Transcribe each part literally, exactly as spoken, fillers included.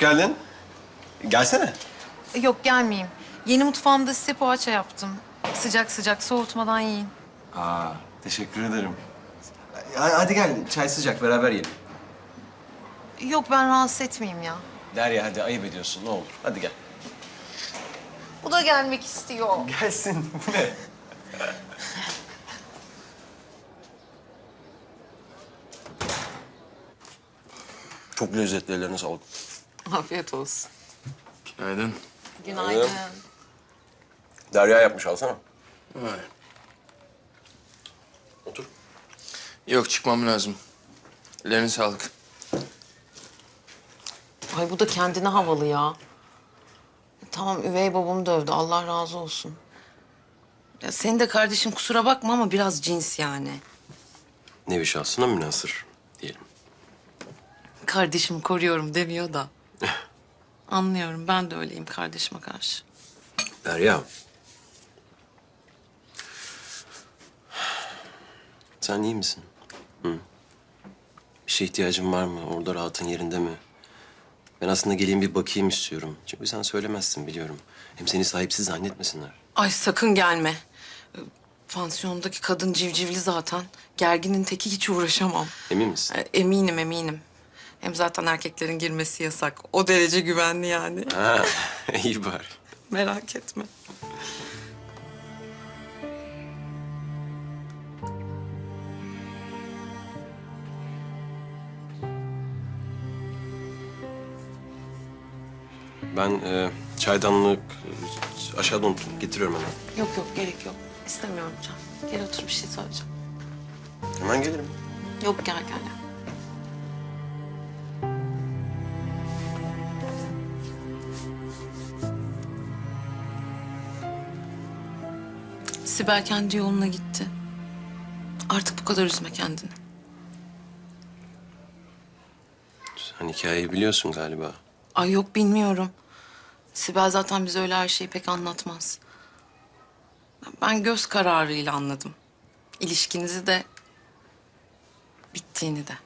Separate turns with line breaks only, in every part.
geldin. Gelsene.
Yok gelmeyeyim. Yeni mutfağımda size poğaça yaptım. Sıcak sıcak soğutmadan yiyin.
Aa, teşekkür ederim. Ya, hadi gel, çay sıcak, beraber yiyelim.
Yok ben rahatsız etmeyeyim ya.
Derya hadi ayıp ediyorsun, ne olur. Hadi gel.
Bu da gelmek istiyor.
Gelsin, bu ne? Çok lezzetli, ellerine sağlık.
Afiyet olsun.
Günaydın.
Günaydın.
Derya yapmış, alsana.
Vay.
Otur.
Yok, çıkmam lazım. Ellerine sağlık.
Ay bu da kendine havalı ya. Tamam üvey babamı dövdü. Allah razı olsun. Ya senin de kardeşin kusura bakma ama biraz cins yani.
Nevi şahsına münhasır diyelim.
Kardeşimi koruyorum demiyor da. Anlıyorum ben de öyleyim kardeşime karşı.
Derya. Sen iyi misin? Hı? Bir şeye ihtiyacın var mı? Orada rahatın yerinde mi? Ben aslında geleyim bir bakayım istiyorum. Çünkü sen söylemezsin biliyorum. Hem seni sahipsiz zannetmesinler.
Ay sakın gelme. Ee, Pansiyondaki kadın civcivli zaten. Gerginin teki hiç uğraşamam.
Emin misin?
Ee, Eminim eminim. Hem zaten erkeklerin girmesi yasak. O derece güvenli yani.
Ha, iyi bari.
Merak etme.
Ben e, çaydanlık e, aşağıda unuttum. Getiriyorum hemen.
Yok yok gerek yok. İstemiyorum Can. Gel otur bir şey söyleyeceğim.
Hemen gelirim.
Yok gel gel. Sibel kendi yoluna gitti. Artık bu kadar üzme kendini.
Sen hikayeyi biliyorsun galiba.
Ay yok bilmiyorum. Sibel zaten bize öyle her şeyi pek anlatmaz. Ben göz kararıyla anladım. İlişkinizi de bittiğini de.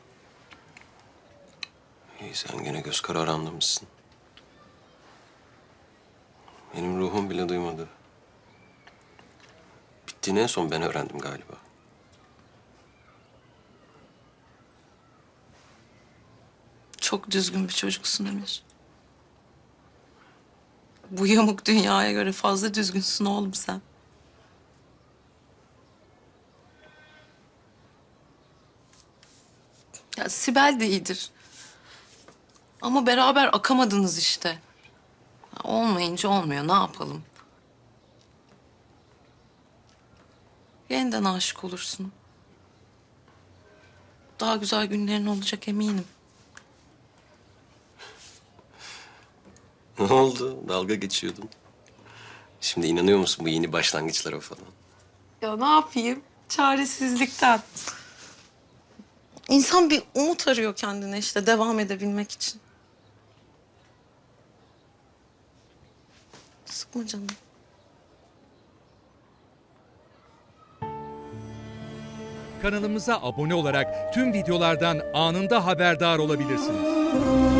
İyi sen gene göz kararı anlamışsın. Benim ruhum bile duymadı. Bittiğini en son ben öğrendim galiba.
Çok düzgün bir çocuksun Emir. Bu yamuk dünyaya göre fazla düzgünsün oğlum sen. Ya Sibel de iyidir. Ama beraber akamadınız işte. Ya olmayınca olmuyor, ne yapalım? Yeniden aşık olursun. Daha güzel günlerin olacak eminim.
Ne oldu? Dalga geçiyordun. Şimdi inanıyor musun bu yeni başlangıçlara falan?
Ya ne yapayım? Çaresizlikten. İnsan bir umut arıyor kendine işte devam edebilmek için. Sıkma canım.
Kanalımıza abone olarak tüm videolardan anında haberdar olabilirsiniz.